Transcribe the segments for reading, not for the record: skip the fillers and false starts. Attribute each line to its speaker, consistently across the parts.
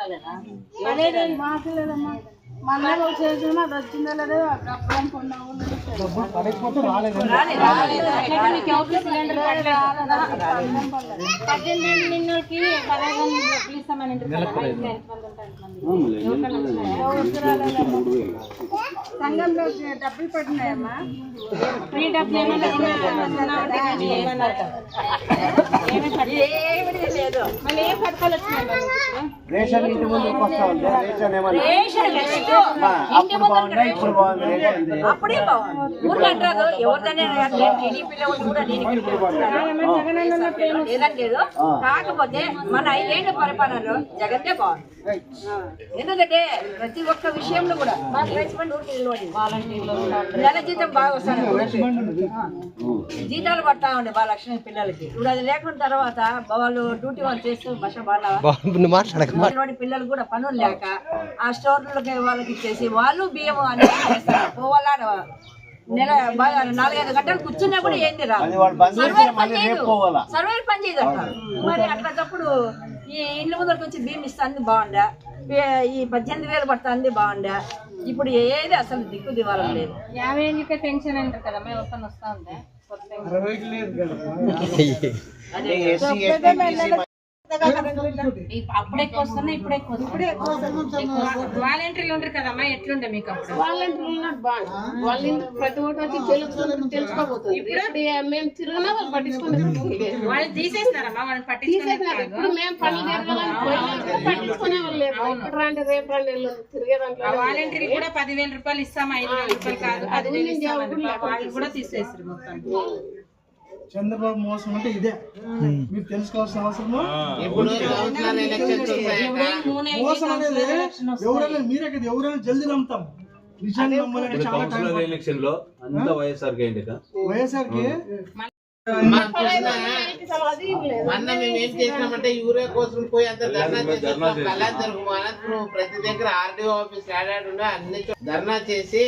Speaker 1: మాకు లేదమ్మా మళ్ళీ చేసిన అది వచ్చిందా లేదా అప్పుడు నిన్నకి 15 ఇస్తామని సంఘంలో డబ్బులు పడినాయమ్మా ఫ్రీ డబ్బులు ఏమన్నా లేదు మళ్ళీ ఏం పథకాలు వచ్చినాయి
Speaker 2: రేషన్ ఇంటి ముందు
Speaker 3: అప్పుడే ఊర్లో అంటారు ఎవరిదనే లేదంటే కాకపోతే మన 5 ఏళ్ల పరిపాలనలో జగన్నే బాగుంది. ఎందుకంటే ప్రతి ఒక్క విషయంలో కూడా నెల జీతం బాగా వస్తాను, జీతాలు పడతా ఉండే బాగా లక్షణ పిల్లలకి. ఇప్పుడు అది లేకుండా తర్వాత వాళ్ళు డ్యూటీ వాళ్ళు చేస్తూ బస బాగా పిల్లలు కూడా పనులు లేక ఆ స్టోర్లకి వాళ్ళకి ఇచ్చేసి వాళ్ళు బియ్యం అనేది చేస్తారు. పోవాలా నెల 4-5 గంటలు కూర్చున్నా కూడా ఏంది రాదు, సర్వేర్ పని చేయదు అంటారు. మరి అట్లాంటప్పుడు ఈ ఇల్లు ముందరికి వచ్చి బియ్యం ఇస్తుంది బాగుండా, ఈ 18,000 పడుతుంది బాగుండా. ఇప్పుడు ఏది అసలు దిక్కు దివాలం లేదు.
Speaker 1: 50 ఏళ్ళకే పెన్షన్ అంటారు కదా, ఎవరికన్నా వస్తా ఉందా? అప్పుడు ఎక్కువ వస్తున్నా, ఇప్పుడు ఎక్కువ వాలంటీర్లు ఉంటారు కదమ్మా, ఎట్లుండే మీకు అప్పుడు? వాలంటీర్లు బాగుంది, వాళ్ళు ప్రతి ఒక్కటి వచ్చి తెలుసుకోబోతుంది. ఇప్పుడు మేము తిరిగినా వాళ్ళు పట్టించుకునే వాళ్ళు తీసేస్తారమ్మా, వాళ్ళని పట్టించుకున్నారు. ఇప్పుడు మేము పనులు పట్టించుకునే వాళ్ళు లేదు. ఇప్పుడు రండి రేపు రండి తిరిగేదాంట్లో వాలంటీర్ కూడా 10,000 రూపాయలు ఇస్తాం, 5,000 రూపాయలు కాదు 10,000 వాళ్ళు కూడా తీసేస్తారు మొత్తం.
Speaker 4: చంద్రబాబు మోసం అంటే ఇదే, మీరు తెలుసుకోవాల్సిన అవసరము. మోసం అనేది ఎవరైనా మీరే కదా, ఎవరైనా జల్దీ నమ్ముతాం. నిజంగా నమ్మాలంటే చాలా ఎలక్షన్ లో అంతా వైఎస్ఆర్కి
Speaker 2: మొన్న మేము ఏం చేసినామంటే యూరియా కోసం పోయి అంత ధర్నా చేసినాం. కళాంతరం అనంతపురం ప్రతి దగ్గర ఆర్డీఓ ఆఫీస్ ఆడాడు అన్ని ధర్నా చేసి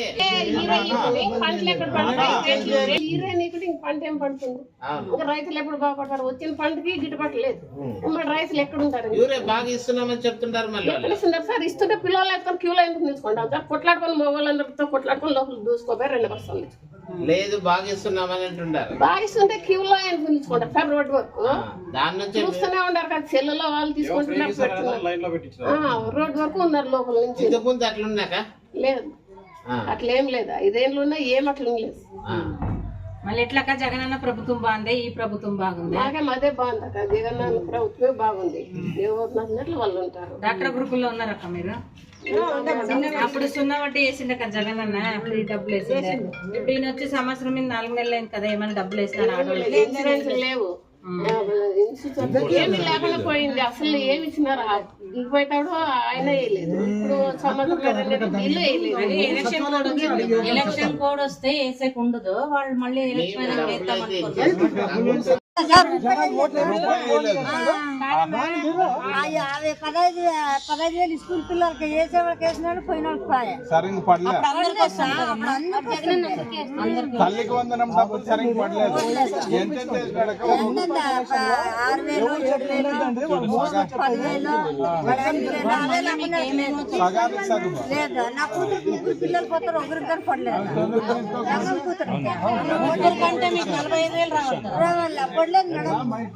Speaker 5: పంట ఏం పడుతుంది, రైతులు ఎప్పుడు బాగుపడతారు? వచ్చిన పంటకి గిట్టుబాటు లేదు, మరి రైతులు ఎక్కడ ఉంటారు?
Speaker 2: యూరియా బాగా ఇస్తున్నామని చెప్తుంటారు. మళ్ళీ
Speaker 5: సార్ ఇస్తుంటే పిల్లలు ఎత్తుకొని క్యూలో ఎందుకు తీసుకుంటాం సార్? కొట్లాడుకొని మొగోళ్ళందరితో కొట్లాడుకొని లోపల దూసుకోపోయి 2 బస్తాలు
Speaker 2: లేదు బాగా ఇస్తున్నామని అంటుంటారు.
Speaker 5: బాగా ఇస్తుంటే క్యూలో ఎందుకు తీసుకుంటారు సార్? రోడ్డు వరకు
Speaker 2: దాని నుంచి
Speaker 5: చూస్తూనే ఉంటారు కదా, సెల్లులో వాళ్ళు తీసుకుంటున్నారు. రోడ్డు వరకు ఉన్నారు లోపల నుంచి.
Speaker 2: ఇంతకుముందు అట్లున్నాక
Speaker 5: లేదు, అట్లేం లేదు. 5 ఏళ్ళు ఉన్నా ఏం అట్లా లేదు.
Speaker 1: మళ్ళీ ఎట్లాక జగనన్న ప్రభుత్వం బాగుంది, ఈ ప్రభుత్వం బాగుంది?
Speaker 5: నాకేం అదే బాగుంది అక్క, జగనన్న ప్రభుత్వమే బాగుంది. ఎవరు నచ్చినట్లు వాళ్ళు ఉంటారు.
Speaker 1: డాక్టర్ గ్రూపుల్లో ఉన్నారక్క మీరు? అప్పుడు 0 వడ్డీ వేసిండ కదా జగనన్న, ఫ్రీ డబ్బులు వేసిండే. ఇప్పుడు ఈయన వచ్చి సంవత్సరం మీద 4 నెలలు అయింది కదా, ఏమైనా డబ్బులు వేసినారు?
Speaker 5: ఇన్సూరెన్స్ లేవు, ఏమి లేకుండా పోయింది. అసలు ఏమి ఇచ్చినారు? దిగిపోయేటాడు ఆయన వేయలేదు. ఇప్పుడు సంవత్సరం ఇల్లు వేయలేదు.
Speaker 1: ఎలక్షన్ కోడ్ వస్తే వేసేకి ఉండదు, వాళ్ళు మళ్ళీ ఎలక్షన్ వేద్దాం అనుకుంటారు.
Speaker 6: 15,000 స్కూల్ పిల్లలకి వేసేవాళ్ళకి వేసినాడు, పోయిన
Speaker 7: తల్లికి వందనం డబ్బులు సరిగ్గా పడలేదు.
Speaker 6: 6,000, 7,000, 10,000 లేదు. నా కూతురు 3 పిల్లలు పోతారు, ఒకరికి కానీ పడలేదు. కూతురు కంటే మీకు 45,000 రావాలి పడలేదు మేడం.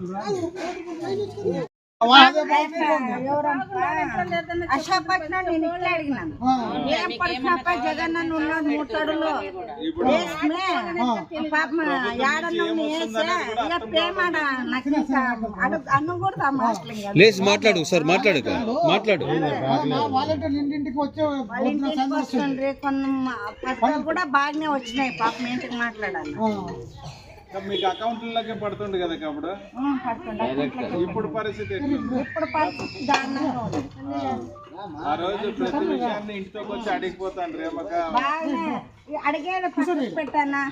Speaker 6: అశాపట్న నేను ఇట్లా అడిగినాను, ఏం పడిచినప్ప జగన్ అన్న ఉన్నాడు 3 తడులు వేసుకునే పాప ఏడన్నా వేసే ఇలా ప్రేమాడ నాకు అన్నం కూడా
Speaker 8: మాట్లాడు సార్, మాట్లాడు మాట్లాడు.
Speaker 6: ఇంటికి వస్తుండ్రి, కొన్ని పథకాలు కూడా బాగానే వచ్చినాయి. పాప ఇంటికి మాట్లాడాలి.
Speaker 7: మీకు అకౌంట్లకే పడుతుంది కదా అప్పుడు, ఇప్పుడు పరిస్థితి
Speaker 6: దారుణంగా ఉంది.
Speaker 7: ఆ రోజు ప్రతి విషయాన్ని ఇంటికి వచ్చి అడిగిపోతాను రేమక
Speaker 6: అడిగేది పెట్టానా,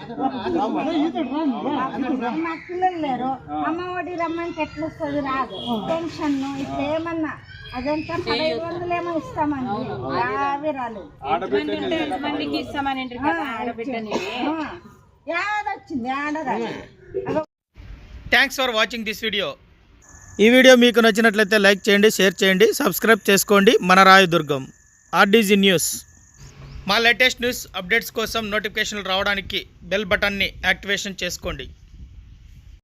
Speaker 6: నాకు పిల్లలు లేరు, అమ్మ ఒడి రమ్మంటే ఎట్లా వస్తుంది? రాదు. పెన్షన్ ఇప్పుడు ఏమన్నా అదంతా 1,500 ఏమో ఇస్తామని అవి రాలేదు.
Speaker 9: Thanks for watching this video. ఈ వీడియో మీకు నచ్చినట్లయితే లైక్ చేయండి, షేర్ చేయండి, సబ్స్క్రైబ్ చేసుకోండి. మన రాయదుర్గం ఆర్డీజీ న్యూస్. మా లేటెస్ట్ న్యూస్ అప్డేట్స్ కోసం నోటిఫికేషన్లు రావడానికి బెల్ బటన్ని యాక్టివేషన్ చేసుకోండి.